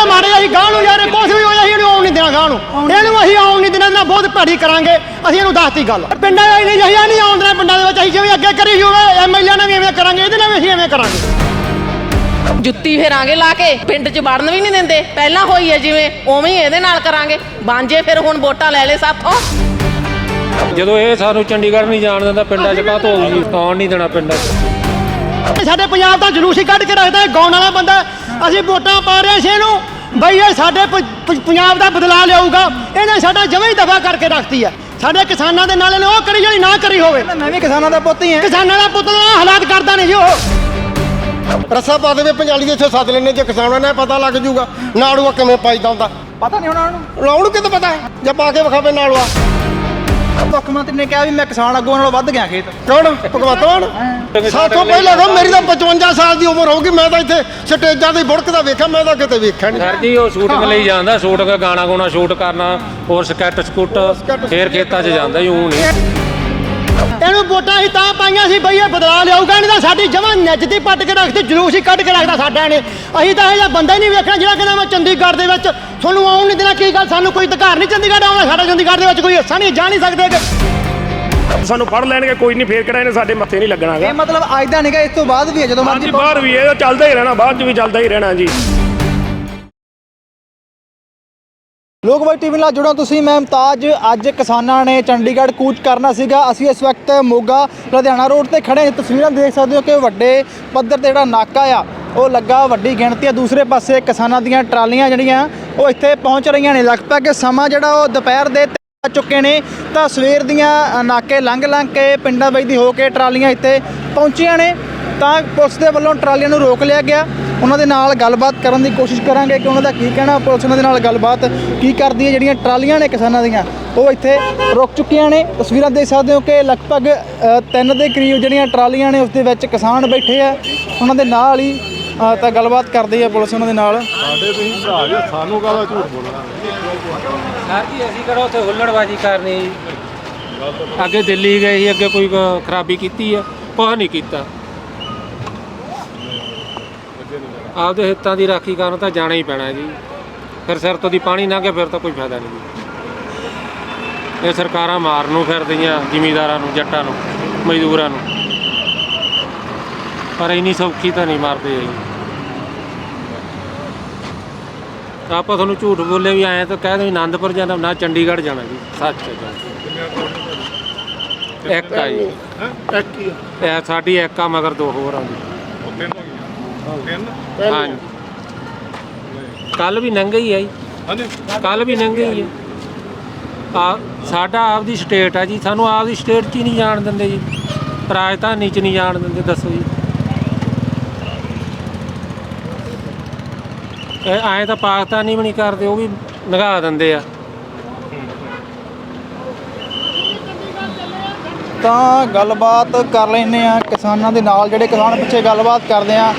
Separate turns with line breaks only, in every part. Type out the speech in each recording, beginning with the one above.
मारे असीं गांह नूं यार कुछ भी होया असीं आउण नहीं देना गांह नूं इहनूं असीं आउण नहीं देना बहुत भैड़ी करांगे असीं इहनूं दसती गल पिंडां वाली नहीं असीं नहीं आउण देना पिंडां दे विच असीं जिवें अग्गे करी होवे MLA नाल भी इवें करांगे इहदे नाल भी असीं इवें करांगे
जुत्ती फेरांगे ला के पिंड 'ਚ ਵੜਨ ਵੀ ਨਹੀਂ ਦਿੰਦੇ ਪਹਿਲਾਂ ਹੋਈ ਹੈ ਜਿਵੇਂ ਉਵੇਂ ਹੀ ਇਹਦੇ ਨਾਲ ਕਰਾਂਗੇ ਬਾਂਝੇ ਫਿਰ ਹੁਣ ਵੋਟਾਂ ਲੈ ਲੈ ਸਾਥੋਂ
ਜਦੋਂ ਇਹ ਸਾਨੂੰ ਚੰਡੀਗੜ੍ਹ ਨਹੀਂ ਜਾਣ ਦਿੰਦਾ ਪਿੰਡਾਂ 'ਚ ਕਾਹ ਤੋਂ ਹੋਊਗੀ ਆਉਣ ਨਹੀਂ ਦੇਣਾ ਪਿੰਡਾਂ 'ਚ
ਸਾਡੇ ਪੰਜਾਬ ਦਾ ਜਲੂਸ ਹੀ ਕੱਢ ਕੇ ਰੱਖਦਾ ਗਾਉਣ ਵਾਲਾ ਬੰਦਾ ਅਸੀਂ ਵੋਟਾਂ ਪਾ ਰਹੇ ਸੀ ਇਹਨੂੰ ਬਈ ਇਹ ਸਾਡੇ ਪੰਜਾਬ ਦਾ ਬਦਲਾਅ ਲਿਆਊਗਾ ਇਹਨੇ ਸਾਡਾ ਜਮਾਂ ਹੀ ਦਫਾ ਕਰਕੇ ਰੱਖਤੀ ਹੈ ਸਾਡੇ ਕਿਸਾਨਾਂ ਦੇ ਨਾਲ ਇਹਨੇ ਉਹ ਕਰੀ ਜਿਹੜੀ ਨਾ ਕਰੀ ਹੋਵੇ
ਮੈਂ ਵੀ ਕਿਸਾਨਾਂ ਦਾ ਪੁੱਤ ਹੀ ਹਾਂ
ਕਿਸਾਨਾਂ ਦਾ ਪੁੱਤ ਦਾ ਹਾਲਾਤ ਕਰਦਾ ਨਹੀਂ ਜੀ ਉਹ
ਰੱਸਾ ਪਾ ਦੇਵੇ ਪੰਜਾਲੀ ਦੇ ਇੱਥੇ ਸੱਦ ਲੈਣੇ ਜੇ ਕਿਸਾਨਾਂ ਨੇ ਪਤਾ ਲੱਗ ਜੂਗਾ ਨਾੜੂਆ ਕਿਵੇਂ ਪਾਈਦਾ ਹੁੰਦਾ
ਪਤਾ ਨਹੀਂ ਉਹਨਾਂ ਨੂੰ
ਲਾਉਣ ਕਿਤੇ ਪਤਾ ਹੈ ਜੇ ਪਾ ਕੇ ਵਿਖਾਵੇ ਨਾੜੂਆ
ਮੁੱਖ ਮੰਤਰੀ ਨੇ ਕਿਹਾ ਵੀ ਮੈਂ ਕਿਸਾਨ ਅੱਗੋਂ ਨਾਲੋਂ ਵੱਧ ਗਿਆ ਖੇਤ
ਕੌਣ ਭਗਵੰਤ ਮਾਨ ਸਾਥੋਂ ਪਹਿਲਾਂ ਕਹੋ ਮੇਰੀ ਤਾਂ 55 ਸਾਲ ਦੀ ਉਮਰ ਹੋਊਗੀ ਮੈਂ ਤਾਂ ਇੱਥੇ ਸਟੇਜਾਂ ਤੇ ਬੁੜਕਦਾ ਵੇਖਿਆ ਮੈਂ ਤਾਂ ਕਿਤੇ ਵੇਖਿਆ ਨਹੀਂ
ਸਰ ਜੀ ਉਹ ਸ਼ੂਟਿੰਗ ਲਈ ਜਾਂਦਾ ਸ਼ੂਟਿੰਗ ਗਾਣਾ ਗਾਉਣਾ ਸ਼ੂਟ ਕਰਨਾ ਹੋਰ ਸਕੈਟ ਸਕੂਟ ਫੇਰ ਖੇਤਾਂ 'ਚ ਜਾਂਦਾ ਹੀ ਊਂ ਨਹੀਂ
ਇਹਨੂੰ ਵੋਟਾਂ ਹੀ ਤਾਂ ਪਾਈਆਂ ਸੀ ਬਈ ਇਹ ਬਦਲਾਅ ਲਿਆਊਗਾ ਇਹਨੇ ਤਾਂ ਸਾਡੀ ਜਮਾਂ ਨੱਚਦੀ ਪੱਟ ਕੇ ਰੱਖਤੀ ਜਲੂਸ ਹੀ ਕੱਢ ਕੇ ਰੱਖਦਾ ਸਾਡਾ ਇਹਨੇ ਅਸੀਂ ਤਾਂ ਇਹ ਜਿਹਾ ਬੰਦਾ ਹੀ ਨਹੀਂ ਵੇਖਣਾ ਜਿਹੜਾ ਕਹਿੰਦਾ ਮੈਂ ਚੰਡੀਗੜ੍ਹ ਦੇ ਵਿੱਚ ਤੁਹਾਨੂੰ ਆਉਣ ਨਹੀਂ ਦੇਣਾ ਕੀ ਗੱਲ ਸਾਨੂੰ ਕੋਈ ਅਧਿਕਾਰ ਨਹੀਂ ਚੰਡੀਗੜ੍ਹ ਆਉਣਾ ਸਾਡਾ ਚੰਡੀਗੜ੍ਹ ਦੇ ਵਿੱਚ ਕੋਈ ਹਿੱਸਾ ਨਹੀਂ ਜਾ ਨਹੀਂ ਸਕਦੇ
ਸਾਨੂੰ ਫੜ ਲੈਣਗੇ ਕੋਈ ਨਹੀਂ ਫੇਰ ਕਿਹੜਾ ਇਹਨੇ ਸਾਡੇ ਮੱਥੇ ਨਹੀਂ ਲੱਗਣਾਗਾ
ਇਹ ਮਤਲਬ ਅੱਜ ਦਾ ਨਹੀਂਗਾ ਇਸ ਤੋਂ ਬਾਅਦ ਵੀ ਹੈ ਜਦੋਂ
ਹਾਂਜੀ ਬਾਹਰ ਵੀ ਇਹ ਚੱਲਦਾ ਹੀ ਰਹਿਣਾ ਬਾਹਰ 'ਚ ਵੀ ਚੱਲਦਾ ਹੀ ਰਹਿਣਾ ਜੀ
ਲੋਕਵਾਈ ਟੀਵੀ ਨਾਲ ਜੁੜੋ ਤੁਸੀਂ ਮੈਂ ਮੁਮਤਾਜ ਅੱਜ ਕਿਸਾਨਾਂ ਨੇ ਚੰਡੀਗੜ੍ਹ ਕੂਚ ਕਰਨਾ ਸੀਗਾ ਅਸੀਂ ਇਸ ਵਕਤ ਮੋਗਾ ਲੁਧਿਆਣਾ ਰੋਡ ਤੇ ਖੜੇ ਹਾਂ ਤਸਵੀਰਾਂ ਦੇਖ ਸਕਦੇ ਹੋ ਕਿ ਵੱਡੇ ਪੱਧਰ ਤੇ ਜਿਹੜਾ ਨਾਕਾ ਆ ਉਹ ਲੱਗਾ ਵੱਡੀ ਗਿਣਤੀ ਆ ਦੂਸਰੇ ਪਾਸੇ ਕਿਸਾਨਾਂ ਦੀਆਂ ਟਰਾਲੀਆਂ ਜਿਹੜੀਆਂ ਉਹ ਇੱਥੇ ਪਹੁੰਚ ਰਹੀਆਂ ਨੇ ਲਗਭਗ ਸਮਾਂ ਜਿਹੜਾ ਉਹ ਦੁਪਹਿਰ ਦੇ ਆ ਚੁੱਕੇ ਨੇ ਤਾਂ ਸਵੇਰ ਦੀਆਂ ਨਾਕੇ ਲੰਘ ਕੇ ਪਿੰਡਾਂ ਵਿੱਚ ਦੀ ਹੋ ਕੇ ਟਰਾਲੀਆਂ ਇੱਥੇ ਪਹੁੰਚੀਆਂ ਨੇ ਤਾਂ ਪੁਲਿਸ ਦੇ ਵੱਲੋਂ ਟਰਾਲੀਆਂ ਨੂੰ ਰੋਕ ਲਿਆ ਗਿਆ ਉਹਨਾਂ ਦੇ ਨਾਲ ਗੱਲਬਾਤ ਕਰਨ ਦੀ ਕੋਸ਼ਿਸ਼ ਕਰਾਂਗੇ ਕਿ ਉਹਨਾਂ ਦਾ ਕੀ ਕਹਿਣਾ ਪੁਲਿਸ ਉਹਨਾਂ ਦੇ ਨਾਲ ਗੱਲਬਾਤ ਕੀ ਕਰਦੀ ਹੈ ਜਿਹੜੀਆਂ ਟਰਾਲੀਆਂ ਨੇ ਕਿਸਾਨਾਂ ਦੀਆਂ ਉਹ ਇੱਥੇ ਰੁਕ ਚੁੱਕੀਆਂ ਨੇ ਤਸਵੀਰਾਂ ਦੇਖ ਸਕਦੇ ਹੋ ਕਿ ਲਗਭਗ 3 ਦੇ ਕਰੀਬ ਜਿਹੜੀਆਂ ਟਰਾਲੀਆਂ ਨੇ ਉਸ ਦੇ ਵਿੱਚ ਕਿਸਾਨ ਬੈਠੇ ਆ ਉਹਨਾਂ ਦੇ ਨਾਲ ਹੀ ਤਾਂ ਗੱਲਬਾਤ ਕਰਦੀ ਹੈ ਪੁਲਿਸ ਉਹਨਾਂ ਦੇ ਨਾਲ
ਸਾਡੇ ਤੁਸੀਂ ਭਰਾ ਜੀ ਸਾਨੂੰ ਕਾਹਦਾ ਝੂਠ ਬੋਲਣਾ
ਸਰ ਜੀ ਅਸੀਂ ਕਿਹੜਾ ਉੱਥੇ ਹੁੱਲੜਬਾਜੀ ਕਰਨੀ ਅੱਗੇ ਦਿੱਲੀ ਗਏ ਸੀ ਅੱਗੇ ਕੋਈ ਖਰਾਬੀ ਕੀਤੀ ਆ ਕੁਛ ਨਹੀਂ ਕੀਤਾ ਆਪਦੇ ਹਿੱਤਾਂ ਦੀ ਰਾਖੀ ਕਰਨ ਤਾਂ ਜਾਣਾ ਹੀ ਪੈਣਾ ਜੀ ਫਿਰ ਸਿਰ ਤੋਂ ਦੀ ਪਾਣੀ ਲੰਘੇ ਫਿਰ ਤਾਂ ਕੋਈ ਫਾਇਦਾ ਨਹੀਂ ਜੀ ਇਹ ਸਰਕਾਰਾਂ ਮਾਰਨ ਨੂੰ ਫਿਰਦੀਆਂ ਜ਼ਿਮੀਂਦਾਰਾਂ ਨੂੰ ਜੱਟਾਂ ਨੂੰ ਮਜ਼ਦੂਰਾਂ ਨੂੰ ਪਰ ਇੰਨੀ ਸੌਖੀ ਤਾਂ ਨਹੀਂ ਮਾਰਦੇ ਜੀ ਆਪਾਂ ਤੁਹਾਨੂੰ ਝੂਠ ਬੋਲੇ ਵੀ ਆਏ ਤਾਂ ਕਹਿ ਦੋ ਆਨੰਦਪੁਰ ਜਾਣਾ ਨਾ ਚੰਡੀਗੜ੍ਹ ਜਾਣਾ ਜੀ ਸੱਚ ਹੈ ਇੱਕ ਆ ਜੀ ਇਹ ਸਾਡੀ ਇੱਕ ਆ ਮਗਰ ਦੋ ਹੋਰ ਆ ਜੀ ਹਾਂਜੀ ਕੱਲ ਵੀ ਨੰਗੇ ਹੀ ਆ ਜੀ ਕੱਲ ਵੀ ਨੰਗੇ ਹੀ ਆ ਸਾਡਾ ਆਪਦੀ ਸਟੇਟ ਆ ਜੀ ਸਾਨੂੰ ਆਪਦੀ ਸਟੇਟ 'ਚ ਹੀ ਨਹੀਂ ਜਾਣ ਦਿੰਦੇ ਜੀ ਰਾਜਧਾਨੀ 'ਚ ਨਹੀਂ ਜਾਣ ਦਿੰਦੇ ਦੱਸੋ ਜੀ ਐਂ ਤਾਂ ਪਾਕਿਸਤਾਨੀ ਵੀ ਨਹੀਂ ਕਰਦੇ ਉਹ ਵੀ ਨਿਗਾਹ ਦਿੰਦੇ ਆ
ਤਾਂ ਗੱਲਬਾਤ ਕਰ ਲੈਂਦੇ ਆ ਕਿਸਾਨਾਂ ਦੇ ਨਾਲ ਜਿਹੜੇ ਕਿਸਾਨ ਪਿੱਛੇ ਗੱਲਬਾਤ ਕਰਦੇ ਆ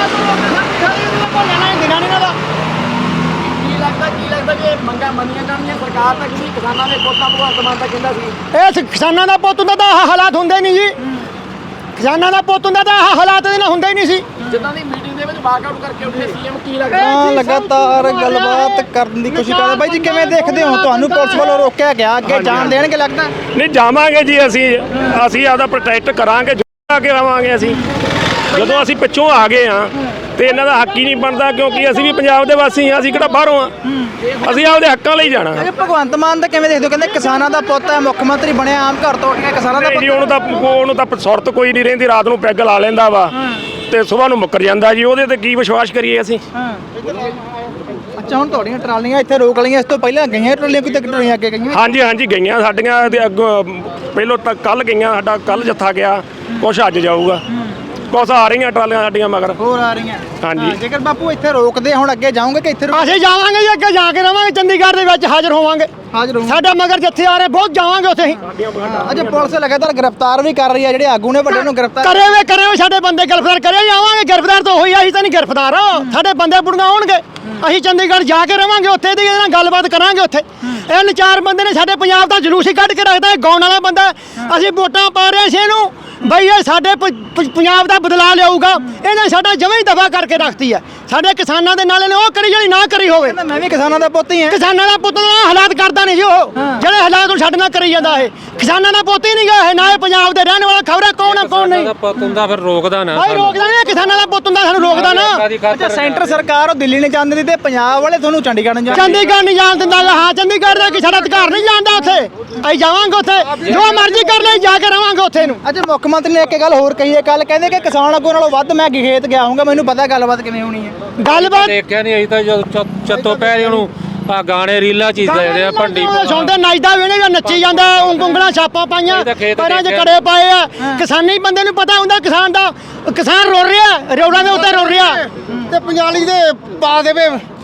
ਕੀ ਲੱਗਦਾ ਜੇ ਮੰਗਾਂ ਮੰਨੀਆਂ ਜਾਣਗੀਆਂ ਸਰਕਾਰ ਤਾਂ ਕਿਉਂਕਿ ਕਿਸਾਨਾਂ ਦੇ ਪੁੱਤਾਂ ਭਗਵੰਤ ਮਾਨ ਤਾਂ ਕਹਿੰਦਾ ਸੀ
ਇਹ ਕਿਸਾਨਾਂ ਦਾ ਪੁੱਤ ਹੁੰਦਾ ਤਾਂ ਆਹ ਹਾਲਾਤ ਹੁੰਦੇ ਨਹੀਂ ਜੀ ਕਿਸਾਨਾਂ ਦਾ ਪੁੱਤ ਹੁੰਦਾ ਤਾਂ ਆਹ ਹਾਲਾਤ ਇਹਦੇ ਨਾਲ ਹੁੰਦੇ ਹੀ ਨਹੀਂ ਸੀ
ਜਿੱਦਾਂ ਦੀ ਮੀਟਿੰਗ ਦੇ ਵਿੱਚ ਵਾਕਆਊਟ ਕਰਕੇ ਉੱਠੇ ਸੀਐਮ ਕੀ ਲੱਗਦਾ ਲਗਾਤਾਰ ਗੱਲਬਾਤ ਕਰਨ ਦੀ ਕੋਸ਼ਿਸ਼ ਕਰਦੇ ਬਾਈ ਜੀ ਕਿਵੇਂ ਦੇਖਦੇ ਹੋ ਤੁਹਾਨੂੰ ਪੁਲਿਸ ਵੱਲੋਂ ਰੋਕਿਆ ਗਿਆ ਅੱਗੇ ਜਾਣ ਦੇਣਗੇ ਲੱਗਦਾ
ਨਹੀਂ ਜਾਵਾਂਗੇ ਜੀ ਅਸੀਂ ਆਪਦਾ ਪ੍ਰੋਟੈਕਟ ਕਰਾਂਗੇ ਜੁੜਾ ਕੇ ਰਵਾਂਗੇ ਅਸੀਂ ਜਦੋਂ ਅਸੀਂ ਪਿੱਛੋਂ ਆ ਗਏ ਆ ਤੇ ਇਹਨਾਂ ਦਾ ਹੱਕ ਹੀ ਨਹੀਂ ਬਣਦਾ ਕਿਉਂਕਿ ਅਸੀਂ ਵੀ ਪੰਜਾਬ ਦੇ ਵਾਸੀ ਆ ਅਸੀਂ ਕਿਹੜਾ ਬਾਹਰੋਂ ਆ ਅਸੀਂ ਆਪਦੇ ਹੱਕਾਂ ਲਈ ਜਾਣਾ
ਭਗਵੰਤ ਮਾਨ ਤਾਂ ਕਿਵੇਂ ਦੇਖਦੇ ਹੋ ਕਹਿੰਦੇ ਕਿਸਾਨਾਂ ਦਾ ਪੁੱਤ ਹੈ ਮੁੱਖ ਮੰਤਰੀ ਬਣਿਆ ਆਮ ਘਰ ਤੋਂ ਉੱਠ ਕੇ ਕਿਸਾਨਾਂ ਦਾ
ਜੀ ਉਹਨੂੰ ਤਾਂ ਸੁਰਤ ਕੋਈ ਨਹੀਂ ਰਹਿੰਦੀ ਰਾਤ ਨੂੰ ਪੈਗ ਲਾ ਲੈਂਦਾ ਵਾ ਤੇ ਸਵੇਰ ਨੂੰ ਮੁੱਕਰ ਜਾਂਦਾ ਜੀ ਉਹਦੇ ਤੇ ਕੀ ਵਿਸ਼ਵਾਸ ਕਰੀਏ ਅਸੀਂ
ਅੱਛਾ ਹੁਣ ਤੁਹਾਡੀਆਂ ਟਰਾਲੀਆਂ ਇੱਥੇ ਰੋਕ ਲਈਆਂ ਇਸ ਤੋਂ ਪਹਿਲਾਂ ਗਈਆਂ ਟਰਾਲੀਆਂ ਕਿਤੇ ਟਰਾਲੀਆਂ ਅੱਗੇ ਗਈਆਂ
ਹਾਂਜੀ ਗਈਆਂ ਸਾਡੀਆਂ ਤੇ ਅੱਗੋਂ ਪਹਿਲੋਂ ਤਾਂ ਕੱਲ ਗਈਆਂ ਸਾਡਾ ਕੱਲ ਜੱਥਾ ਗਿਆ ਕੁਛ ਅੱਜ ਜਾਊਗਾ ਕੁਛ ਆ ਰਹੀਆਂ ਟਰਾਲੀਆਂ ਸਾਡੀਆਂ ਮਗਰ
ਹੋਰ ਆ ਰਹੀਆਂ
ਹਾਂਜੀ
ਜੇਕਰ ਬਾਪੂ ਇੱਥੇ ਰੋਕਦੇ ਹੁਣ ਅੱਗੇ ਜਾਓਗੇ ਕਿ ਇੱਥੇ
ਅਸੀਂ ਜਾਵਾਂਗੇ ਜੀ ਅੱਗੇ ਜਾ ਕੇ ਰਵਾਂਗੇ ਚੰਡੀਗੜ੍ਹ ਦੇ ਵਿੱਚ ਹਾਜ਼ਰ ਹੋਵਾਂਗੇ
ਹਾਜ਼ਰ
ਸਾਡਾ ਮਗਰ ਜਿੱਥੇ ਆ ਰਹੇ ਬਹੁਤ ਜਾਵਾਂਗੇ ਉੱਥੇ ਹੀ
ਅੱਛਾ ਪੁਲਿਸ ਲਗਾਤਾਰ ਗ੍ਰਿਫਤਾਰ ਵੀ ਕਰ ਰਹੀ ਹੈ ਜਿਹੜੇ ਆਗੂ ਨੇ ਵੱਡੇ ਨੂੰ ਗ੍ਰਿਫਤਾਰ
ਕਰੇ ਵੇ ਸਾਡੇ ਬੰਦੇ ਗ੍ਰਿਫਤਾਰ ਕਰੇ ਜਾਵਾਂਗੇ ਗ੍ਰਿਫਤਾਰ ਤਾਂ ਹੋਈ ਅਸੀਂ ਤਾਂ ਨਹੀਂ ਗ੍ਰਿਫਤਾਰ ਸਾਡੇ ਬੰਦੇ ਬੁੜੀਆਂ ਆਉਣਗੇ ਅਸੀਂ ਚੰਡੀਗੜ੍ਹ ਜਾ ਕੇ ਰਵਾਂਗੇ ਉੱਥੇ ਦੀ ਇਹਦੇ ਨਾਲ ਗੱਲਬਾਤ ਕਰਾਂਗੇ ਉੱਥੇ ਇਹ 4 ਬੰਦੇ ਨੇ ਸਾਡੇ ਪੰਜਾਬ ਦਾ ਜਲੂਸ ਹੀ ਕੱਢ ਕੇ ਰੱਖਦਾ ਗਾਉਣ ਵਾਲਾ ਬੰਦਾ ਅਸੀਂ ਵੋਟਾਂ ਪਾ ਰਹੇ ਸੀ ਇਹਨੂੰ ਬਈ ਇਹ ਸਾਡੇ ਪੰਜਾਬ ਦਾ ਬਦਲਾਅ ਲਿਆਊਗਾ, ਇਹਨੇ ਸਾਡਾ ਜਮਾਂ ਹੀ ਦਫਾ ਕਰਕੇ ਰੱਖਤੀ ਹੈ। ਸਾਡੇ ਕਿਸਾਨਾਂ ਦੇ ਨਾਲ ਇਹਨੇ ਉਹ ਕਰੀ ਜਿਹੜੀ ਨਾ ਕਰੀ ਹੋਵੇ।
ਮੈਂ ਵੀ ਕਿਸਾਨਾਂ ਦਾ ਪੁੱਤ ਹੀ ਹਾਂ।
ਕਿਸਾਨਾਂ ਦਾ ਪੁੱਤ ਦਾ ਹਾਲਾਤ ਕਰਦਾ ਨਹੀਂ ਜੀ ਉਹ, ਜਿਹੜੇ ਹਾਲਾਤ ਉਹ ਸਾਡੇ ਨਾਲ ਕਰੀ ਜਾਂਦਾ ਇਹ। ਕਿਸਾਨਾਂ ਦਾ ਪੁੱਤ ਹੀ ਨਹੀਂ ਗਾ ਇਹ, ਨਾ ਇਹ ਪੰਜਾਬ ਦੇ ਰਹਿਣ ਵਾਲਾ, ਖਬਰ ਕੌਣ ਆ ਕੌਣ ਨਹੀਂ।
ਪੁੱਤ ਹੁੰਦਾ ਫਿਰ ਰੋਕਦਾ ਨਾ
ਭਾਈ ਰੋਕਦਾ ਨਹੀਂ, ਕਿਸਾਨਾਂ ਦਾ ਪੁੱਤ ਹੁੰਦਾ ਸਾਨੂੰ ਰੋਕਦਾ ਨਾ।
ਅੱਛਾ, ਸੈਂਟਰ ਸਰਕਾਰ ਉਹ ਦਿੱਲੀ ਨਹੀਂ ਜਾਂਦੀ ਤੇ ਪੰਜਾਬ ਵਾਲੇ ਤੁਹਾਨੂੰ ਚੰਡੀਗੜ੍ਹ ਨਹੀਂ ਜਾਂਦੇ।
ਚੰਡੀਗੜ੍ਹ ਨਹੀਂ ਜਾਣ ਦਿੰਦਾ। ਹਾਂ ਚੰਡੀਗੜ੍ਹ ਦਾ ਕਿ ਸਾਡਾ ਅਧਿਕਾਰ ਨਹੀਂ ਜਾਂਦਾ ਉੱਥੇ। ਅਸੀਂ ਜਾਵਾਂਗੇ ਉੱਥੇ, ਜੋ ਮਰਜ਼ੀ ਕਰ ਲੈ, ਜਾ ਕੇ ਰਵਾਂਗੇ ਉੱਥੇ ਨੂੰ।
ਅੱਜ ਮੁੱਖ ਮੰਤਰੀ ਨੇ ਇੱਕ ਗੱਲ ਹੋਰ ਕਹੀ ਹੈ, ਕੱਲ ਕਹਿੰਦੇ ਕਿ ਕਿਸਾਨ ਅੱਗੋਂ ਨਾਲੋਂ ਵੱਧ ਮੈਂ ਖੇਤ ਗਿਆ ਹੋਊਗਾ, ਮੈਨੂੰ ਪਤਾ ਗੱਲਬਾਤ ਕਿਵੇਂ ਹੋਣੀ ਹੈ।
ਗੱਲਬਾਤ
ਦੇਖਿਆ ਨਹੀਂ, ਅਸੀਂ ਤਾਂ ਜਦੋਂ ਚੱਤੋ ਪੈਰੇ ਉਹਨੂੰ ਆ ਗਾਣੇ ਰੀਲਾਂ ਚੀਜ਼ ਦੇ ਆ ਭੰਡੀ
ਸੁਣਦੇ ਨੱਚਦਾ ਵੇਣੇ ਜਾਂ ਨੱਚੀ ਜਾਂਦਾ, ਉਂਗਲਾਂ ਛਾਪਾਂ ਪਾਈਆਂ, ਪੈਰਾਂ 'ਚ ਕੜੇ ਪਾਏ ਆ। ਕਿਸਾਨੀ ਬੰਦੇ ਨੂੰ ਪਤਾ ਹੁੰਦਾ ਕਿਸਾਨ ਦਾ, ਕਿਸਾਨ ਰੋ ਰਿਹਾ, ਰੋਡਾਂ ਦੇ ਉੱਤੇ ਰੋ ਰਿਹਾ।
ਤੇ ਪੰਜਾਲੀ ਦੇ ਪਾ ਦੇਵੇ,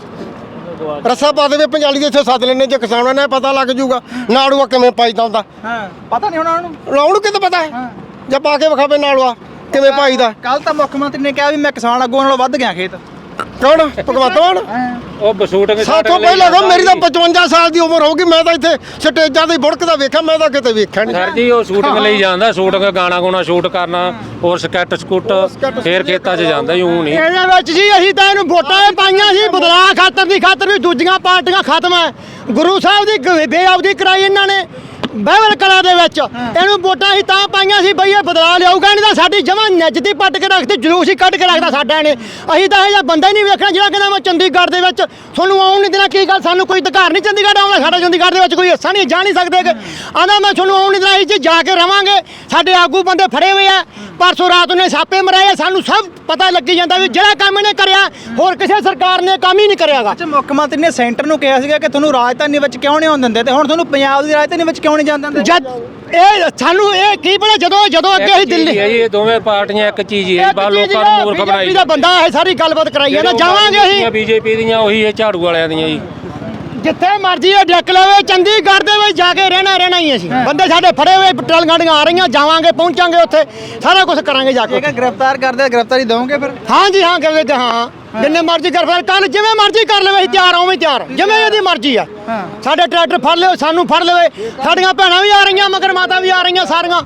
ਰੱਸਾ ਪਾ ਦੇਵੇ ਪੰਜਾਲੀ ਦੇ, ਇੱਥੇ ਸੱਦ ਲੈਣੇ ਜੇ ਕਿਸਾਨਾਂ ਨੇ ਪਤਾ ਲੱਗ ਜੂਗਾ ਨਾੜੂਆ ਕਿਵੇਂ ਪਾਈਦਾ ਹੁੰਦਾ।
ਪਤਾ ਨਹੀਂ ਹੋਣਾ ਉਹਨੂੰ,
ਲਾਉਣ ਕਿਤੇ ਪਤਾ ਹੈ ਜਾਂ ਪਾ ਕੇ ਵਿਖਾਵੇ ਨਾੜੂਆ ਕਿਵੇਂ ਪਾਈਦਾ।
ਕੱਲ ਤਾਂ ਮੁੱਖ ਮੰਤਰੀ ਨੇ ਕਿਹਾ ਵੀ ਮੈਂ ਕਿਸਾਨ ਅੱਗੋਂ ਨਾਲੋਂ ਵੱਧ ਗਿਆ ਖੇਤ।
ਕੌਣ? ਭਗਵੰਤ ਮਾਨ।
ਉਹ ਬਸੂਟ
ਸਾਥੋਂ ਪਹਿਲਾਂ ਤਾਂ ਮੇਰੀ ਤਾਂ 55 ਸਾਲ ਦੀ ਉਮਰ ਹੋਊਗੀ, ਮੈਂ ਤਾਂ ਇੱਥੇ ਸਟੇਜਾਂ ਤੇ ਬੁੜਕਦਾ ਵੇਖਿਆ, ਮੈਂ ਤਾਂ ਕਿਤੇ ਵੇਖਿਆ ਨਹੀਂ।
ਸਰ ਜੀ ਉਹ ਸ਼ੂਟਿੰਗ ਲਈ ਜਾਂਦਾ, ਸ਼ੂਟਿੰਗ ਗਾਣਾ ਗਾਣਾ ਸ਼ੂਟ ਕਰਨਾ, ਹੋਰ ਸਕੈਟ ਸਕੂਟ, ਫੇਰ ਖੇਤਾਂ 'ਚ ਜਾਂਦਾ ਹੀ ਊਂ ਨਹੀਂ।
ਇਹਦੇ ਵਿੱਚ ਜੀ ਅਸੀਂ ਤਾਂ ਇਹਨੂੰ ਵੋਟਾਂ ਪਾਈਆਂ ਸੀ ਬਦਲਾਅ ਖਾਤਰ ਦੀ, ਖਾਤਰ ਵੀ ਦੂਜੀਆਂ ਪਾਰਟੀਆਂ ਖਤਮ ਹੈ। ਗੁਰੂ ਸਾਹਿਬ ਦੀ ਬੇਅਬਦੀ ਕਰਾਈ ਇਹਨਾਂ ਨੇ ਬਹਿਬਲ ਕਲਾ ਦੇ ਵਿੱਚ। ਇਹਨੂੰ ਵੋਟਾਂ ਅਸੀਂ ਤਾਂ ਪਾਈਆਂ ਸੀ ਬਈ ਇਹ ਬਦਲਾਅ ਲਿਆਊਗਾ, ਨਹੀਂ ਤਾਂ ਸਾਡੀ ਜਮਾਂ ਨਿੱਜਤੀ ਪੱਟ ਕੇ ਰੱਖਦੀ, ਜਲੂਸ ਹੀ ਕੱਢ ਕੇ ਰੱਖਦਾ ਸਾਡਾ ਇਹਨੇ। ਅਸੀਂ ਤਾਂ ਇਹ ਜਿਹਾ ਬੰਦਾ ਹੀ ਨਹੀਂ ਵੇਖਣਾ ਜਿਹੜਾ ਕਹਿੰਦਾ ਮੈਂ ਚੰਡੀਗੜ੍ਹ ਦੇ ਵਿੱਚ ਤੁਹਾਨੂੰ ਆਉਣ ਨਹੀਂ ਦੇਣਾ। ਕੀ ਗੱਲ, ਸਾਨੂੰ ਕੋਈ ਅਧਿਕਾਰ ਨਹੀਂ ਚੰਡੀਗੜ੍ਹ ਆਉਣਾ, ਸਾਡਾ ਚੰਡੀਗੜ੍ਹ ਦੇ ਵਿੱਚ ਕੋਈ ਹਿੱਸਾ ਨਹੀਂ, ਜਾ ਨਹੀਂ ਸਕਦੇ ਕਿ ਆਂਦਾ ਮੈਂ ਤੁਹਾਨੂੰ ਆਉਣ ਨਹੀਂ ਦੇਣਾ। ਅਸੀਂ ਜਾ ਕੇ ਰਵਾਂਗੇ, ਸਾਡੇ ਆਗੂ ਬੰਦੇ ਫੜੇ ਹੋਏ ਆ, ਪਰਸੋਂ ਰਾਤ ਨੇ ਛਾਪੇ ਮਰਾਏ, ਸਾਨੂੰ ਸਭ ਪਤਾ ਲੱਗੀ ਜਾਂਦਾ ਵੀ ਜਿਹੜਾ ਕੰਮ ਇਹਨੇ ਕਰਿਆ ਹੋਰ ਕਿਸੇ ਸਰਕਾਰ ਨੇ ਕੰਮ ਹੀ ਨਹੀਂ ਕਰਿਆਗਾ।
ਅੱਛਾ, ਮੁੱਖ ਮੰਤਰੀ ਨੇ ਸੈਂਟਰ ਨੂੰ ਕਿਹਾ ਸੀਗਾ ਕਿ ਤੁਹਾਨੂੰ ਰਾਜਧਾਨੀ ਵਿੱਚ ਕਿਉਂ ਨਹੀਂ ਆਉਣ ਦਿੰਦੇ, ਤੇ ਹੁਣ ਤੁਹਾਨੂੰ ਪੰਜਾਬ ਦੀ ਰਾਜਧਾਨੀ ਵਿੱਚ ਕਿਉਂ ਨਹੀਂ ਜਾਣ ਦਿੰਦੇ?
ਜਦ ਇਹ ਸਾਨੂੰ ਇਹ ਕੀ ਪਤਾ, ਜਦੋਂ ਅੱਗੇ ਅਸੀਂ ਦਿੱਲੀ,
ਇਹ ਦੋਵੇਂ ਪਾਰਟੀਆਂ ਇੱਕ ਚੀਜ਼ ਹੀ ਹੈ, ਬਾ ਲੋਕਾਂ ਨੂੰ ਮੂਰਖ ਬਣਾਈ।
BJP ਦਾ ਬੰਦਾ ਇਹ ਸਾਰੀ ਗੱਲਬਾਤ ਕਰਾਈ ਜਾਂਦਾ। ਜਾਵਾਂਗੇ ਅਸੀਂ
ਬੀਜੇਪੀ ਦੀਆਂ, ਉਹੀ ਇਹ ਝਾੜੂ ਵਾਲਿਆਂ ਦੀਆਂ ਜੀ।
ਜਿੱਥੇ ਮਰਜ਼ੀ ਇਹ ਡੱਕ ਲਵੇ, ਚੰਡੀਗੜ੍ਹ ਦੇ ਵਿੱਚ ਜਾ ਕੇ ਰਹਿਣਾ ਹੀ ਅਸੀਂ। ਬੰਦੇ ਸਾਡੇ ਫੜੇ ਹੋਏ, ਪੈਟਰੋਲ ਗਾੜੀਆਂ ਆ ਰਹੀਆਂ, ਜਾਵਾਂਗੇ, ਪਹੁੰਚਾਂਗੇ ਉੱਥੇ, ਸਾਰਾ ਕੁਝ ਕਰਾਂਗੇ ਜਾ ਕੇ।
ਜੇਕਰ ਗ੍ਰਿਫਤਾਰ ਕਰਦੇ ਗ੍ਰਿਫਤਾਰੀ ਦਵੋਗੇ ਫਿਰ?
ਹਾਂ ਜੀ ਹਾਂ, ਕਹਿੰਦੇ ਹਾਂ, ਜਿੰਨੇ ਮਰਜ਼ੀ ਗ੍ਰਿਫਤਾਰ ਕੱਲ ਜਿਵੇਂ ਮਰਜ਼ੀ ਕਰ ਲਵੇ, ਅਸੀਂ ਤਿਆਰ ਉਵੇਂ ਤਿਆਰ, ਜਿਵੇਂ ਇਹਦੀ ਮਰਜ਼ੀ ਆ। ਸਾਡੇ ਟਰੈਕਟਰ ਫੜ ਲਿਓ, ਸਾਨੂੰ ਫੜ ਲਵੇ, ਸਾਡੀਆਂ ਭੈਣਾਂ ਵੀ ਆ ਰਹੀਆਂ, ਮਗਰ ਮਾਤਾ ਵੀ ਆ ਰਹੀਆਂ ਸਾਰੀਆਂ।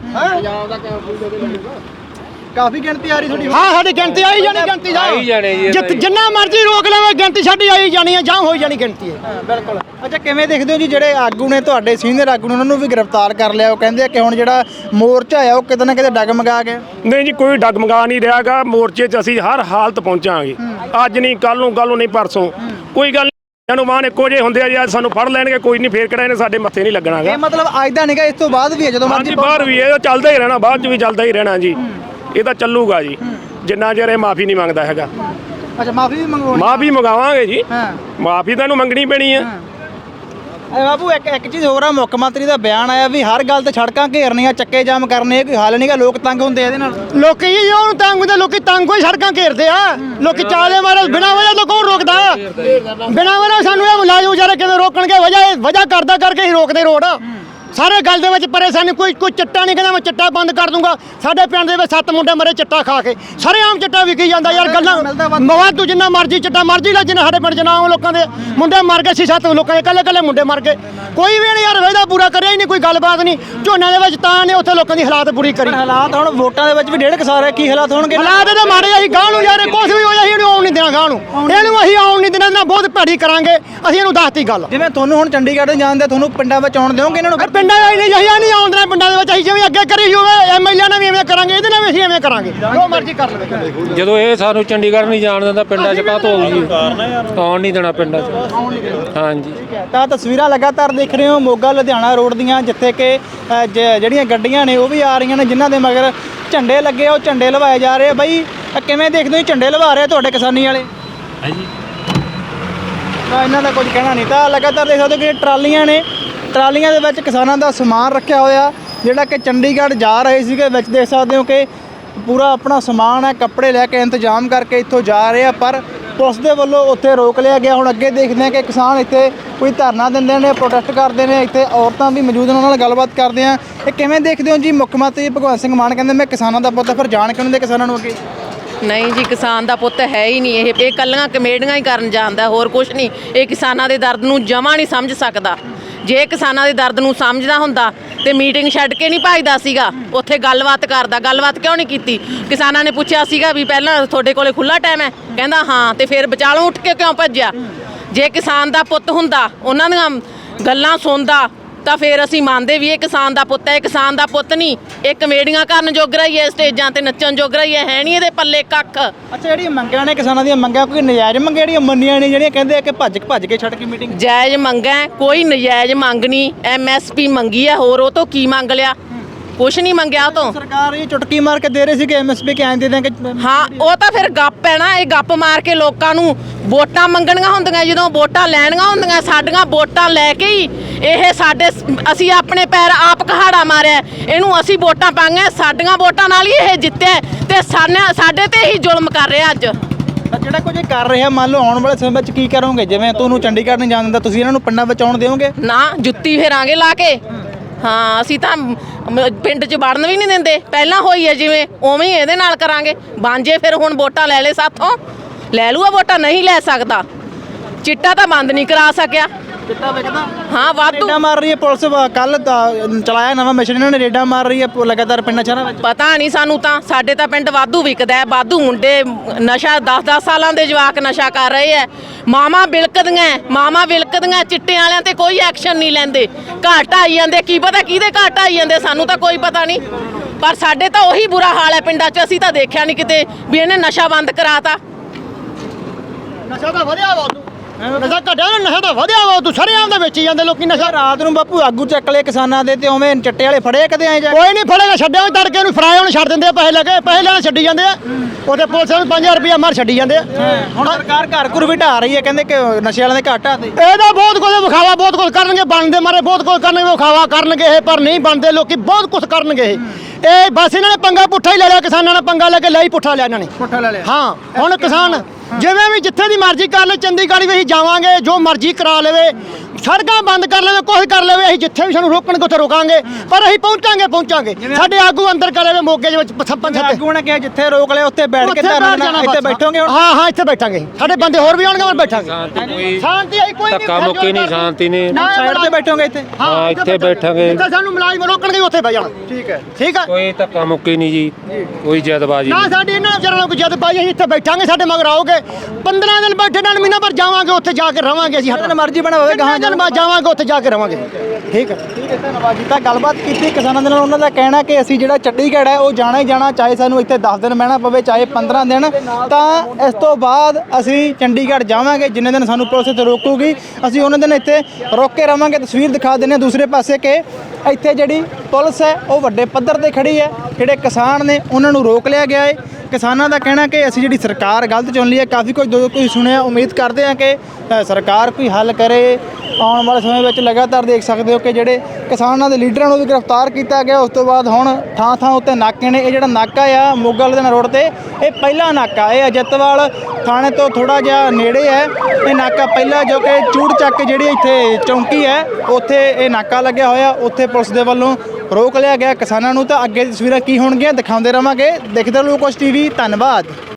ਕਾਫੀ ਗਿਣਤੀ ਆ ਰਹੀ ਤੁਹਾਡੀ?
ਹਾਂ, ਸਾਡੀ ਗਿਣਤੀ ਆਈ ਜਾਣੀ, ਗਿਣਤੀ
ਆਈ ਜਾਣੀ ਜੀ,
ਜਿੰਨਾ ਮਰਜ਼ੀ ਰੋਕ ਲਵੇ, ਗਿਣਤੀ ਸਾਡੀ ਆਈ ਜਾਣੀ ਹੈ, ਜਾਂ ਹੋਈ ਜਾਣੀ ਗਿਣਤੀ ਹੈ।
ਬਿਲਕੁਲ। ਅੱਛਾ, ਕਿਵੇਂ ਦੇਖਦੇ ਹੋ ਜੀ ਜਿਹੜੇ ਆਗੂ ਨੇ ਤੁਹਾਡੇ ਸੀਨੀਅਰ ਆਗੂ ਨੇ, ਉਹਨਾਂ ਨੂੰ ਵੀ ਗ੍ਰਿਫਤਾਰ ਕਰ ਲਿਆ, ਉਹ ਕਹਿੰਦੇ ਆ ਕਿ ਹੁਣ ਜਿਹੜਾ ਮੋਰਚਾ ਆ ਉਹ ਕਿਤੇ ਨਾ ਕਿਤੇ ਡਗਮਗਾ ਗਿਆ?
ਨਹੀਂ ਜੀ, ਕੋਈ ਡਗਮਗਾ ਨਹੀਂ ਰਿਹਾਗਾ। ਮੋਰਚੇ 'ਚ ਅਸੀਂ ਹਰ ਹਾਲਤ ਪਹੁੰਚਾਂਗੇ, ਅੱਜ ਨਹੀਂ ਕੱਲ ਨੂੰ ਨਹੀਂ ਪਰਸੋਂ, ਕੋਈ ਗੱਲ ਨੂੰ ਮਾਨ ਇੱਕੋ ਜਿਹੇ ਹੁੰਦੇ ਆ ਜੀ। ਅੱਜ ਸਾਨੂੰ ਫੜ ਲੈਣਗੇ, ਕੋਈ ਨਹੀਂ, ਫੇਰ ਕਿਹੜਾ ਇਹਨੇ ਸਾਡੇ ਮੱਥੇ ਨਹੀਂ ਲੱਗਣਾਗਾ।
ਇਹ ਮਤਲਬ ਅੱਜ ਦਾ ਨਹੀਂਗਾ, ਇਸ ਤੋਂ ਬਾਅਦ ਵੀ ਹੈ, ਜਦੋਂ
ਹਾਂਜੀ, ਬਾਹਰ ਵੀ ਇਹ ਚੱਲਦਾ ਹੀ ਰਹਿਣਾ, ਬਾਅਦ 'ਚ ਵੀ ਚੱਲਦਾ ਹੀ ਰਹਿਣਾ ਜੀ। ਇਹ ਤਾਂ ਚੱਲੂਗਾ ਜੀ, ਜਿੰਨਾ ਚਿਰ ਇਹ ਮਾਫੀ ਨਹੀਂ ਮੰਗਦਾ ਹੈਗਾ।
ਅੱਛਾ, ਮਾਫੀ ਵੀ ਮੰਗਵਾਉਣੀ?
ਮਾਫੀ ਮੰਗਾਵਾਂਗੇ ਜੀ,
ਹਾਂ,
ਮਾਫੀ ਤਾਂ ਇਹਨੂੰ ਮੰਗਣੀ ਪੈਣੀ ਹੈ।
ਬਾਬੂ ਇੱਕ ਚੀਜ਼ ਹੋਰ ਆ, ਮੁੱਖ ਮੰਤਰੀ ਦਾ ਬਿਆਨ ਆਇਆ ਵੀ ਹਰ ਗੱਲ ਤੇ ਸੜਕਾਂ ਘੇਰਨੀਆਂ, ਚੱਕੇ ਜਾਮ ਕਰਨੇ, ਕੋਈ ਹੱਲ ਨਹੀਂਗਾ, ਲੋਕ ਤੰਗ ਹੁੰਦੇ ਇਹਦੇ ਨਾਲ।
ਲੋਕੀ ਜੀ ਉਹਨੂੰ ਤੰਗ ਹੁੰਦੇ, ਲੋਕੀ ਤੰਗ ਹੋਈ ਸੜਕਾਂ ਘੇਰਦੇ ਆ। ਲੋਕੀ ਚਾਲੇ ਮਾਰੇ ਬਿਨਾਂ ਵਜ੍ਹਾ ਤੋਂ ਕੌਣ ਰੋਕਦਾ? ਬਿਨਾਂ ਵਜ੍ਹਾ ਸਾਨੂੰ ਇਹ ਮੁਲਾਜ਼ਮ ਵਿਚਾਰੇ ਕਿਵੇਂ ਰੋਕਣਗੇ? ਵਜ੍ਹਾ ਕਰਦਾ ਕਰਕੇ ਹੀ ਰੋਕਦੇ ਰੋਡ। ਸਾਰੇ ਗੱਲ ਦੇ ਵਿੱਚ ਪਰੇਸ਼ਾਨੀ, ਕੋਈ ਚਿੱਟਾ ਨਹੀਂ ਕਹਿੰਦਾ ਮੈਂ ਚਿੱਟਾ ਬੰਦ ਕਰ ਦੂੰਗਾ। ਸਾਡੇ ਪਿੰਡ ਦੇ ਵਿੱਚ 7 ਮੁੰਡੇ ਮਰੇ ਚਿੱਟਾ ਖਾ ਕੇ, ਸਰੇਆਮ ਚਿੱਟਾ ਵਿਕੀ ਜਾਂਦਾ ਯਾਰ। ਗੱਲਾਂ ਮਵਾਦ ਤੂੰ ਜਿੰਨਾ ਮਰਜ਼ੀ ਚਿੱਟਾ ਮਰਜ਼ੀ ਲੈ, ਜਿੰਨਾ ਸਾਡੇ ਪਿੰਡ ਜਨਾਮ ਲੋਕਾਂ ਦੇ ਮੁੰਡੇ ਮਰ ਗਏ ਸੀ, 7 ਲੋਕਾਂ ਦੇ ਕੱਲੇ ਮੁੰਡੇ ਮਰ ਗਏ। ਕੋਈ ਵੀ ਨਹੀਂ ਯਾਰ ਵਾਅਦਾ ਪੂਰਾ ਕਰਿਆ ਹੀ ਨਹੀਂ, ਕੋਈ ਗੱਲਬਾਤ ਨਹੀਂ। ਝੋਨੇ ਦੇ ਵਿੱਚ ਤਾਂ ਨੇ ਉੱਥੇ ਲੋਕਾਂ ਦੀ ਹਾਲਾਤ ਪੂਰੀ ਕਰੀ।
ਹਾਲਾਤ ਹੁਣ ਵੋਟਾਂ ਦੇ ਵਿੱਚ ਵੀ ਡੇਢ ਕਸਾਰ ਕੀ ਹਾਲਾਤ ਹੋਣਗੇ?
ਹਾਲਾਤ ਇਹਦੇ ਮਾੜੇ ਅਸੀਂ ਗਾਹ ਨੂੰ ਯਾਰ, ਕੁਛ ਵੀ ਹੋ ਜਾਏ ਇਹਨੂੰ ਆਉਣ ਨਹੀਂ ਦੇਣਾ ਗਾਹ ਨੂੰ, ਇਹਨੂੰ ਅਸੀਂ ਆਉਣ ਨਹੀਂ ਦੇਣਾ, ਇਹਨਾਂ ਬਹੁਤ ਭੈੜੀ ਕਰਾਂਗੇ ਅਸੀਂ। ਇਹਨੂੰ ਦੱਸਤੀ ਗੱਲ।
ਜਿਵੇਂ ਤੁਹਾਨੂੰ ਹੁਣ ਚੰਡੀਗੜ੍ਹ ਜਾਂਦੇ, ਤੁਹਾਨੂੰ ਪਿੰਡਾਂ ਵਿੱਚ ਆਉਣ ਦਿਓਗੇ ਇਹਨਾਂ ਨੂੰ?
ਪਿੰਡਾਂ ਨਹੀਂ ਆਉਣ ਦੇਣਾ, ਪਿੰਡਾਂ ਦੇ ਵਿੱਚ ਅਸੀਂ ਜਿਵੇਂ ਅੱਗੇ ਕਰੀ ਹੋਵੇ ਐਮਐਲਏ ਨਾਲ ਵੀ ਐਵੇਂ ਕਰਾਂਗੇ, ਇਹਦੇ ਨਾਲ ਵੀ ਅਸੀਂ ਐਵੇਂ ਕਰਾਂਗੇ, ਜੋ ਮਰਜ਼ੀ ਕਰ ਲਵੇ।
ਜਦੋਂ ਇਹ ਸਾਨੂੰ ਚੰਡੀਗੜ੍ਹ ਨਹੀਂ ਜਾਣ ਦਿੰਦਾ, ਪਿੰਡਾਂ 'ਚ ਕਾਹਤੋਂ ਆਊ ਜੀ? ਆਉਣ ਨਹੀਂ ਦੇਣਾ ਪਿੰਡਾਂ 'ਚ। ਹਾਂਜੀ,
ਤਾਂ ਤਸਵੀਰਾਂ ਲਗਾਤਾਰ ਦੇਖ ਰਹੇ ਹੋ ਮੋਗਾ ਲੁਧਿਆਣਾ ਰੋਡ ਦੀਆਂ, ਜਿੱਥੇ ਕਿ ਜਿਹੜੀਆਂ ਗੱਡੀਆਂ ਨੇ ਉਹ ਵੀ ਆ ਰਹੀਆਂ ਨੇ, ਜਿਨ੍ਹਾਂ ਦੇ ਮਗਰ ਝੰਡੇ ਲੱਗੇ, ਉਹ ਝੰਡੇ ਲਵਾਏ ਜਾ ਰਹੇ ਆ। ਬਈ ਕਿਵੇਂ ਦੇਖਦੇ ਹੋ ਝੰਡੇ ਲਵਾ ਰਹੇ ਤੁਹਾਡੇ ਕਿਸਾਨੀ ਵਾਲੇ?
ਹਾਂਜੀ,
ਤਾਂ ਇਹਨਾਂ ਦਾ ਕੁਝ ਕਹਿਣਾ ਨਹੀਂ। ਤਾਂ ਲਗਾਤਾਰ ਦੇਖ ਸਕਦੇ ਹੋ ਕਿ ਟਰਾਲੀਆਂ ਨੇ, ਟਰਾਲੀਆਂ ਦੇ ਵਿੱਚ ਕਿਸਾਨਾਂ ਦਾ ਸਮਾਨ ਰੱਖਿਆ ਹੋਇਆ, ਜਿਹੜਾ ਕਿ ਚੰਡੀਗੜ੍ਹ ਜਾ ਰਹੇ ਸੀਗੇ। ਵਿੱਚ ਦੇਖ ਸਕਦੇ ਹੋ ਕਿ ਪੂਰਾ ਆਪਣਾ ਸਮਾਨ ਹੈ, ਕੱਪੜੇ ਲੈ ਕੇ ਇੰਤਜ਼ਾਮ ਕਰਕੇ ਇੱਥੋਂ ਜਾ ਰਹੇ ਆ, ਪਰ ਪੁਲਿਸ ਦੇ ਵੱਲੋਂ ਉੱਥੇ ਰੋਕ ਲਿਆ ਗਿਆ। ਹੁਣ ਅੱਗੇ ਦੇਖਦੇ ਹਾਂ ਕਿ ਕਿਸਾਨ ਇੱਥੇ ਕੋਈ ਧਰਨਾ ਦਿੰਦੇ ਨੇ, ਪ੍ਰੋਟੈਸਟ ਕਰਦੇ ਨੇ। ਇੱਥੇ ਔਰਤਾਂ ਵੀ ਮੌਜੂਦ ਨੇ, ਉਹਨਾਂ ਨਾਲ ਗੱਲਬਾਤ ਕਰਦੇ ਆ। ਇਹ ਕਿਵੇਂ ਦੇਖਦੇ ਹੋ ਜੀ? ਮੁੱਖ ਮੰਤਰੀ ਭਗਵੰਤ ਸਿੰਘ ਮਾਨ ਕਹਿੰਦੇ ਮੈਂ ਕਿਸਾਨਾਂ ਦਾ ਪੁੱਤ, ਫਿਰ ਜਾਣ ਕਿਉਂ ਨਹੀਂ ਦੇ ਕਿਸਾਨਾਂ ਨੂੰ ਅੱਗੇ?
ਨਹੀਂ ਜੀ, ਕਿਸਾਨ ਦਾ ਪੁੱਤ ਹੈ ਹੀ ਨਹੀਂ ਇਹ ਕੱਲੀਆਂ ਕਮੇਡੀਆਂ ਹੀ ਕਰਨ ਜਾਂਦਾ, ਹੋਰ ਕੁਝ ਨਹੀਂ। ਇਹ ਕਿਸਾਨਾਂ ਦੇ ਦਰਦ ਨੂੰ ਜਮਾਂ ਨਹੀਂ ਸਮਝ ਸਕਦਾ। ਜੇ ਕਿਸਾਨਾਂ ਦੇ ਦਰਦ ਨੂੰ ਸਮਝਦਾ ਹੁੰਦਾ ਤੇ ਮੀਟਿੰਗ ਛੱਡ ਕੇ ਨਹੀਂ ਭੱਜਦਾ ਸੀਗਾ, ਉੱਥੇ ਗੱਲਬਾਤ ਕਰਦਾ। ਗੱਲਬਾਤ ਕਿਉਂ ਨਹੀਂ ਕੀਤੀ? ਕਿਸਾਨਾਂ ਨੇ ਪੁੱਛਿਆ ਸੀਗਾ ਵੀ ਪਹਿਲਾਂ ਤੁਹਾਡੇ ਕੋਲੇ ਖੁੱਲਾ ਟਾਈਮ ਹੈ, ਕਹਿੰਦਾ ਹਾਂ, ਤੇ ਫਿਰ ਵਿਚਾਲੋਂ ਉੱਠ ਕੇ ਕਿਉਂ ਭੱਜਿਆ? ਜੇ ਕਿਸਾਨ ਦਾ ਪੁੱਤ ਹੁੰਦਾ, ਉਹਨਾਂ ਦੀਆਂ ਗੱਲਾਂ ਸੁਣਦਾ, ਤਾਂ ਫਿਰ ਅਸੀਂ ਮੰਨਦੇ ਵੀ ਇਹ ਕਿਸਾਨ ਦਾ ਪੁੱਤ ਹੈ। ਇਹ ਕਿਸਾਨ ਦਾ ਪੁੱਤ ਨਹੀਂ, ਇਹ ਕਮੇਡੀਆਂ ਕਰਨ ਜੋਗਰਾ ਹੀ ਹੈ, ਸਟੇਜਾਂ ਤੇ ਨੱਚਣ ਜੋਗਰਾ ਹੀ ਹੈ ਨਹੀਂ ਇਹਦੇ ਪੱਲੇ ਕੱਖ।
ਅੱਛਾ, ਜਿਹੜੀਆਂ ਮੰਗਾਂ ਨੇ ਕਿਸਾਨਾਂ ਦੀਆਂ ਮੰਗਾਂ ਕੋਈ ਨਜਾਇਜ਼ ਮੰਗਾਂ ਜਿਹੜੀਆਂ ਮੰਨੀਆਂ ਨੇ, ਜਿਹੜੀਆਂ ਕਹਿੰਦੇ ਆ ਕਿ ਭੱਜ ਕੇ ਛੱਡ ਕੇ ਮੀਟਿੰਗ?
ਜਾਇਜ਼ ਮੰਗਾਂ ਹੈ, ਕੋਈ ਨਜਾਇਜ਼ ਮੰਗ ਨਹੀਂ। MSP ਮੰਗੀ ਹੈ, ਹੋਰ ਉਹ ਤੋਂ ਕੀ ਮੰਗ ਲਿਆ? ਕੁਛ ਨਹੀਂ ਮੰਗਿਆ ਉਹ ਤੋਂ।
ਸਰਕਾਰ ਇਹ ਚੁਟਕੀ ਮਾਰ ਕੇ ਦੇ ਰਹੀ ਸੀ ਕਿ MSP ਕਿ ਐਂ ਦੇ ਦੇਂਗੇ।
ਹਾਂ, ਉਹ ਤਾਂ ਫਿਰ ਗੱਪ ਹੈ ਨਾ। ਇਹ ਗੱਪ ਮਾਰ ਕੇ ਲੋਕਾਂ ਨੂੰ ਵੋਟਾਂ ਮੰਗਣੀਆਂ ਹੁੰਦੀਆਂ, ਜਦੋਂ ਵੋਟਾਂ ਲੈਣੀਆਂ ਹੁੰਦੀਆਂ, ਸਾਡੀਆਂ ਵੋਟਾਂ ਲੈ ਕੇ ਹੀ ਇਹ ਅਸੀਂ ਆਪਣੇ ਪੈਰ ਆਪ ਕਹਾੜਾ ਮਾਰਿਆ। ਇਹਨੂੰ ਅਸੀਂ ਵੋਟਾਂ ਪਾਈਆਂ, ਸਾਡੀਆਂ ਵੋਟਾਂ ਨਾਲ ਹੀ ਇਹ ਜਿੱਤਿਆ, ਤੇ ਸਾਡੇ ਤੇ ਹੀ ਜ਼ੁਲਮ ਕਰ ਰਿਹਾ ਅੱਜ।
ਤਾਂ ਜਿਹੜਾ ਕੁਝ ਇਹ ਕਰ ਰਿਹਾ, ਮੰਨ ਲਓ ਆਉਣ ਵਾਲੇ ਸਮੇਂ ਵਿੱਚ ਕੀ ਕਰੋਗੇ? ਜਿਵੇਂ ਤੁਹਾਨੂੰ ਚੰਡੀਗੜ੍ਹ ਨਹੀਂ ਜਾਣ ਦਿੰਦਾ, ਤੁਸੀਂ ਇਹਨਾਂ ਨੂੰ ਪਿੰਡਾਂ ਵਿੱਚ ਆਉਣ ਦਿਓਗੇ?
ਨਾ, ਜੁੱਤੀ ਫੇਰਾਂਗੇ ਲਾ ਕੇ। ਹਾਂ, ਅਸੀਂ ਤਾਂ ਪਿੰਡ 'ਚ ਵੜਨ ਵੀ ਨਹੀਂ ਦਿੰਦੇ। ਪਹਿਲਾਂ ਹੋਈ ਹੈ ਜਿਵੇਂ, ਉਵੇਂ ਹੀ ਇਹਦੇ ਨਾਲ ਕਰਾਂਗੇ। ਬਾਂਝੇ ਫਿਰ ਹੁਣ ਵੋਟਾਂ ਲੈ ਲੈ ਸਾਥੋਂ, ਲੈ ਲੂਆ ਵੋਟਾਂ, ਨਹੀਂ ਲੈ ਸਕਦਾ। ਚਿੱਟਾ ਤਾਂ ਬੰਦ ਨਹੀਂ ਕਰਾ ਸਕਿਆ।
ਚਿੱਟਾ ਵਿਕਦਾ?
ਹਾਂ, ਵਾਧੂ
ਰੇਡਾਂ ਮਾਰ ਰਹੀ ਹੈ ਪੁਲਿਸ। ਕੱਲ ਚਲਾਇਆ ਨਵਾਂ ਮਿਸ਼ਨ, ਇਹਨਾਂ ਨੇ ਰੇਡਾਂ ਮਾਰ ਰਹੀ ਹੈ ਲਗਾਤਾਰ ਪਿੰਡਾਂ ਸ਼ਹਿਰਾਂ ਵਿੱਚ।
ਪਤਾ ਨਹੀਂ ਸਾਨੂੰ ਤਾਂ। ਸਾਡੇ ਤਾਂ ਪਿੰਡ ਵਾਧੂ ਵਿਕਦਾ ਹੈ, ਵਾਧੂ ਮੁੰਡੇ ਨਸ਼ਾ 10-10 ਸਾਲਾਂ ਦੇ ਜਵਾਕ ਨਸ਼ਾ ਕਰ ਰਹੇ ਹੈ। ਮਾਵਾਂ ਵਿਲਕਦੀਆਂ ਚਿੱਟੇ ਵਾਲਿਆਂ ਤੇ ਕੋਈ ਐਕਸ਼ਨ ਨਹੀਂ ਲੈਂਦੇ। ਘਾਟ ਆਈ ਜਾਂਦੇ, ਕੀ ਪਤਾ ਕਿਹਦੇ ਘਾਟ ਆਈ ਜਾਂਦੇ, ਸਾਨੂੰ ਤਾਂ ਕੋਈ ਪਤਾ ਨਹੀਂ। ਪਰ ਸਾਡੇ ਤਾਂ ਉਹੀ ਬੁਰਾ ਹਾਲ ਹੈ ਪਿੰਡਾਂ 'ਚ। ਅਸੀਂ ਤਾਂ ਦੇਖਿਆ ਨਹੀਂ ਕਿਤੇ ਵੀ ਇਹਨੇ ਨਸ਼ਾ ਬੰਦ ਕਰਾਤਾ।
ਨਸ਼ਾ ਤਾਂ ਵਧਿਆ ਵਾ ਤੂੰ, ਨਸ਼ਾ ਘਟਿਆ ਨਾ, ਨਸ਼ਾ ਤਾਂ ਵਧਿਆ ਵਾ ਤੂੰ। ਸਰੇਆਮ ਦਾ ਵੇਚੀ ਜਾਂਦੇ ਲੋਕੀ ਨਸ਼ਾ।
ਰਾਤ ਨੂੰ ਬਾਪੂ ਆਗੂ ਚੱਕ ਲਏ ਕਿਸਾਨਾਂ ਦੇ, ਤੇ ਉਵੇਂ ਚੱਟੇ ਵਾਲੇ ਫੜੇ ਕਦੇ ਐਂ ਜਾ?
ਕੋਈ ਨਹੀਂ ਫੜੇਗਾ, ਛੱਡਿਆ ਵੀ ਤੜਕੇ ਨੂੰ ਫਰਾਏ ਉਹਨੂੰ ਛੱਡ ਦਿੰਦੇ ਆ, ਪੈਸੇ ਲੈ ਕੇ। ਪੈਸੇ ਲੈਣ ਛੱਡੀ ਜਾਂਦੇ ਆ, ਉਹਦੇ ਪੁਲਿਸ ਨੂੰ 5000 ਰੁਪਇਆ ਮਾਰ ਛੱਡੀ ਜਾਂਦੇ ਆ।
ਹੁਣ ਸਰਕਾਰ ਘਰ ਘੁਰ ਵੀ ਢਾ ਰਹੀ ਹੈ, ਕਹਿੰਦੇ ਕਿ ਨਸ਼ੇ ਵਾਲਿਆਂ ਦੇ ਘਾਟਾ ਤੇ।
ਇਹਦਾ ਬਹੁਤ ਕੁਝ ਵਿਖਾਵਾ, ਬਹੁਤ ਕੁਝ ਕਰਨਗੇ, ਬਣਦੇ ਮਾਰੇ ਬਹੁਤ ਕੁਝ ਕਰਨਗੇ, ਵਿਖਾਵਾ ਕਰਨਗੇ ਇਹ, ਪਰ ਨਹੀਂ ਬਣਦੇ ਲੋਕੀ, ਬਹੁਤ ਕੁਝ ਕਰਨਗੇ ਇਹ। ਬਸ ਇਹਨਾਂ ਨੇ ਪੰਗਾ ਪੁੱਠਾ ਹੀ ਲੈ ਲਿਆ, ਕਿਸਾਨਾਂ ਨੇ ਪੰਗਾ ਲੈ ਕੇ ਲਈ ਪੁੱਠਾ ਲਿਆ ਇਹਨਾਂ ਨੇ।
ਪੁੱਠਾ ਲੈ ਲਿਆ।
ਹਾਂ, ਹੁਣ ਕਿਸਾਨ ਜਿਵੇਂ ਵੀ ਜਿੱਥੇ ਦੀ ਮਰਜ਼ੀ ਕਰ ਲੈ, ਚੰਡੀਗੜ੍ਹ ਵੀ ਅਸੀਂ ਜਾਵਾਂਗੇ, ਜੋ ਮਰਜ਼ੀ ਕਰਾ ਲਵੇ, ਸੜਕਾਂ ਬੰਦ ਕਰ ਲਵੇ, ਕੁਛ ਕਰ ਲਵੇ, ਅਸੀਂ ਜਿੱਥੇ ਵੀ ਸਾਨੂੰ ਰੋਕਣਗੇ ਉੱਥੇ ਰੋਕਾਂਗੇ, ਪਰ ਅਸੀਂ ਪਹੁੰਚਾਂਗੇ। ਸਾਡੇ ਆਗੂ ਅੰਦਰ ਕਰ ਲਵੇ ਮੋਗੇ ਦੇ ਵਿੱਚ ਪੰਜ ਸੱਤ
ਆਗੂ ਨੇ ਕਿਹਾ ਜਿੱਥੇ ਰੋਕ ਲਿਆ ਉੱਥੇ ਬੈਠ ਕੇ ਧਰਨਾ ਦੇਣਾ, ਇੱਥੇ ਬੈਠੋਗੇ ਹੁਣ?
ਹਾਂ, ਇੱਥੇ ਬੈਠਾਂਗੇ। ਸਾਡੇ ਬੰਦੇ ਹੋਰ ਵੀ ਆਉਣਗੇ, ਹੋਰ ਬੈਠਾਂਗੇ। ਸ਼ਾਂਤੀ ਆਈ ਕੋਈ
ਧੱਕਾ ਮੁੱਕੀ ਨਹੀਂ, ਸ਼ਾਂਤੀ ਨਹੀਂ।
ਸਾਈਡ ਤੇ ਬੈਠੋਗੇ ਇੱਥੇ?
ਹਾਂ, ਇੱਥੇ ਬੈਠਾਂਗੇ।
ਜਿੱਥੇ ਸਾਨੂੰ ਮੁਲਾਜ਼ਮ ਰੋਕਣਗੇ ਉੱਥੇ ਬਹਿ ਜਾਣਾ।
ਠੀਕ ਹੈ।
ਠੀਕ ਹੈ,
ਕੋਈ ਧੱਕਾ ਮੁੱਕੀ ਨਹੀਂ ਜੀ, ਕੋਈ ਜਦਬਾਜੀ
ਨਾ ਸਾਡੀ ਇਹਨਾਂ ਵਿਚਾਰਾਂ ਨੂੰ ਕੋਈ ਜਦਬਾਜੀ। ਅਸੀਂ ਇੱਥੇ ਬੈਠਾਂਗੇ, ਸਾਡੇ ਮਗਰ ਆਓਗੇ। 15 ਦਿਨ ਬੈਠੇ ਨਾਲ ਮਹੀਨਾ ਪਰ ਜਾਵਾਂਗੇ, ਉੱਥੇ ਜਾ ਕੇ ਰਵਾਂਗੇ ਅਸੀਂ।
ਜਿੱਥੇ ਮਰਜ਼ੀ ਬਣਾ ਹੋਵੇ, ਗਾਹਾਂ
ਦਿਨ ਬਾਅਦ ਜਾਵਾਂਗੇ, ਉੱਥੇ ਜਾ ਕੇ ਰਵਾਂਗੇ। ਠੀਕ ਹੈ,
ਧੰਨਵਾਦ ਜੀ। ਤਾਂ ਗੱਲਬਾਤ ਕੀਤੀ ਕਿਸਾਨਾਂ ਦੇ ਨਾਲ, ਉਹਨਾਂ ਦਾ ਕਹਿਣਾ ਕਿ ਅਸੀਂ ਜਿਹੜਾ ਚੰਡੀਗੜ੍ਹ ਹੈ ਉਹ ਜਾਣਾ ਹੀ ਜਾਣਾ, ਚਾਹੇ ਸਾਨੂੰ ਇੱਥੇ 10 ਦਿਨ ਬਹਿਣਾ ਪਵੇ, ਚਾਹੇ 15 ਦਿਨ। ਤਾਂ ਇਸ ਤੋਂ ਬਾਅਦ ਅਸੀਂ ਚੰਡੀਗੜ੍ਹ ਜਾਵਾਂਗੇ, ਜਿੰਨੇ ਦਿਨ ਸਾਨੂੰ ਪੁਲਿਸ ਇੱਥੇ ਰੋਕੂਗੀ ਅਸੀਂ ਉਹਨਾਂ ਦਿਨ ਇੱਥੇ ਰੋਕ ਕੇ ਰਵਾਂਗੇ। ਤਸਵੀਰ ਦਿਖਾ ਦਿੰਦੇ ਹਾਂ ਦੂਸਰੇ ਪਾਸੇ ਕਿ ਇੱਥੇ ਜਿਹੜੀ ਪੁਲਿਸ ਹੈ ਉਹ ਵੱਡੇ ਪੱਧਰ ਤੇ ਖੜੀ ਹੈ। ਜਿਹੜੇ ਕਿਸਾਨ ਨੇ ਉਹਨਾਂ ਨੂੰ ਰੋਕ ਲਿਆ ਗਿਆ ਹੈ। ਕਿਸਾਨਾਂ ਦਾ ਕਹਿਣਾ ਕਿ ਅਸੀਂ ਜਿਹੜੀ ਸਰਕਾਰ ਗਲਤ ਚੁਣ ਲਈ ਹੈ। ਕਾਫੀ ਕੁਝ ਸੁਣਿਆ, ਉਮੀਦ ਕਰਦੇ ਹਾਂ ਕਿ ਸਰਕਾਰ ਕੋਈ ਹੱਲ ਕਰੇ। ਆਉਣ ਵਾਲੇ ਸਮੇਂ ਵਿੱਚ ਲਗਾਤਾਰ ਦੇਖ ਸਕਦੇ ਹੋ ਕਿ ਜਿਹੜੇ ਕਿਸਾਨਾਂ ਦੇ ਲੀਡਰਾਂ ਨੂੰ ਵੀ ਗ੍ਰਿਫਤਾਰ ਕੀਤਾ ਗਿਆ। ਉਸ ਤੋਂ ਬਾਅਦ ਹੁਣ ਥਾਂ ਉੱਤੇ ਨਾਕੇ ਨੇ। ਇਹ ਜਿਹੜਾ ਨਾਕਾ ਆ ਮੋਗਾ ਲੁਧਿਆਣਾ ਰੋਡ ਤੇ, ਇਹ ਪਹਿਲਾ ਨਾਕਾ। ਇਹ ਅਜਿੱਤਵਾਲ ਥਾਣੇ ਤੋਂ ਥੋੜਾ ਜਿਹਾ ਨੇੜੇ ਹੈ ਇਹ ਨਾਕਾ ਪਹਿਲਾ, ਜੋ ਕਿ ਚੂੜ ਚੱਕ ਜਿਹੜੀ ਇੱਥੇ ਚੌਂਕੀ ਹੈ ਉੱਥੇ ਇਹ ਨਾਕਾ ਲੱਗਿਆ ਹੋਇਆ। ਉੱਥੇ ਪੁਲਿਸ ਦੇ ਵੱਲੋਂ ਰੋਕ ਲਿਆ ਗਿਆ ਕਿਸਾਨਾਂ ਨੂੰ। ਤਾਂ ਅੱਗੇ ਦੀ ਤਸਵੀਰਾਂ ਕੀ ਹੋਣਗੀਆਂ ਦਿਖਾਉਂਦੇ ਰਵਾਂਗੇ। ਦੇਖਦੇ ਰਹੋ ਕੁਛ TV। ਧੰਨਵਾਦ।